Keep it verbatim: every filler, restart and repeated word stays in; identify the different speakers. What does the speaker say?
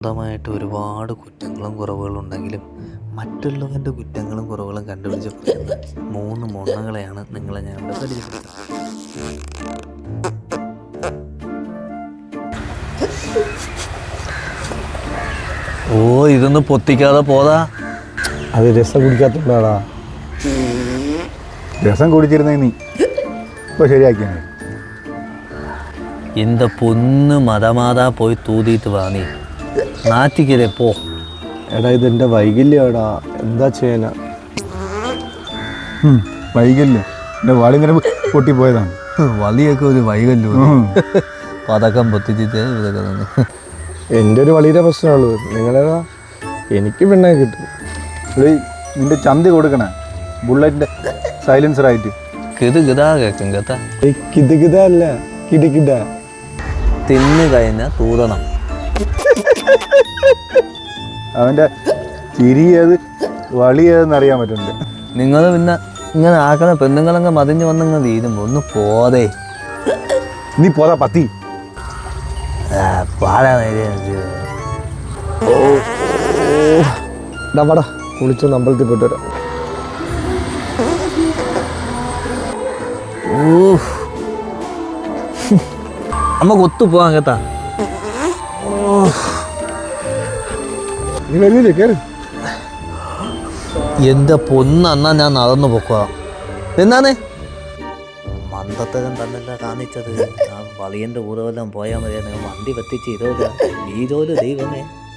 Speaker 1: സ്വന്തമായിട്ട് ഒരുപാട് കുറ്റങ്ങളും കുറവുകളും ഉണ്ടെങ്കിലും മറ്റുള്ളവൻ്റെ കുറ്റങ്ങളും കുറവുകളും കണ്ടുപിടിച്ച് പറയുന്ന മൂന്ന് മുണ്ണകളെയാണ് നിങ്ങളെ ഞാൻ ഇവിടെ പരിചയപ്പെടുത്തുന്നത്. ഓ ഇതൊന്ന് പൊത്തിക്കാതെ പോതാ.
Speaker 2: അത് രസം കുടിക്കാത്തതാടാ. രസം കുടിച്ചിരുന്നേ നീ ഇപ്പോൾ ശരിയാക്കിയാണ്.
Speaker 1: இந்த പൊന്ന് മതമാതാ പോയി തൂതിയിട്ട് വാ, നീ നാറ്റിക്കരെ പോ.
Speaker 2: എടാ ഇതെൻ്റെ വൈകല്യടാ, എന്താ ചെയ്യാനാ? വൈകല്യം എൻ്റെ വാളിങ്ങനെ പൊട്ടിപ്പോയതാണ്.
Speaker 1: വലിയൊക്കെ ഒരു വൈകല്യം, പതക്കം പൊത്തിച്ചിട്ട് ഇതൊക്കെ തന്നെ.
Speaker 2: എൻ്റെ ഒരു വലിയ പ്രശ്നമുള്ളൂ. നിങ്ങളേതാ എനിക്ക് പെണ്ണെ കിട്ടും. നിന്റെ ചന്തി കൊടുക്കണേ ബുള്ളറ്റിൻ്റെ സൈലൻസറായിട്ട്.
Speaker 1: കിത് കിതാ കേൾക്കും കേട്ടാ.
Speaker 2: കിത് കിത അല്ല കിടക്കിട.
Speaker 1: തിന്നു കഴിഞ്ഞാൽ തൂതണം.
Speaker 2: അവൻ്റെ ചിരി ഏത് വളി ഏതെന്ന് അറിയാൻ പറ്റുന്നുണ്ട്.
Speaker 1: നിങ്ങൾ പിന്നെ ഇങ്ങനെ ആക്കണ പെണ്ണുങ്ങളങ്ങ് മതിഞ്ഞ് വന്നങ്ങ് തീരുമ്പോൾ ഒന്ന് പോതേ.
Speaker 2: നീ പോതാ പത്തി
Speaker 1: പാടാ.
Speaker 2: ഡാ കുളിച്ചൊന്ന് അമ്പലത്തിൽ പോയിട്ട് വരാം.
Speaker 1: നമുക്ക് ഒത്തു പോവാൻ കേട്ടാ.
Speaker 2: നീ വരുന്നില്ലേ? കയറി.
Speaker 1: എൻ്റെ പൊന്നന്നാ ഞാൻ നടന്നു പൊക്കുക. എന്നാണ് മന്ദത്തരം തന്നല്ല കാണിച്ചത്. ആ വളിയൻ്റെ ഊറവെല്ലാം പോയാൽ മതിയായിരുന്നു. വണ്ടി വെത്തിച്ച് ഇതോല ഈ ജോലി ദൈവമേ.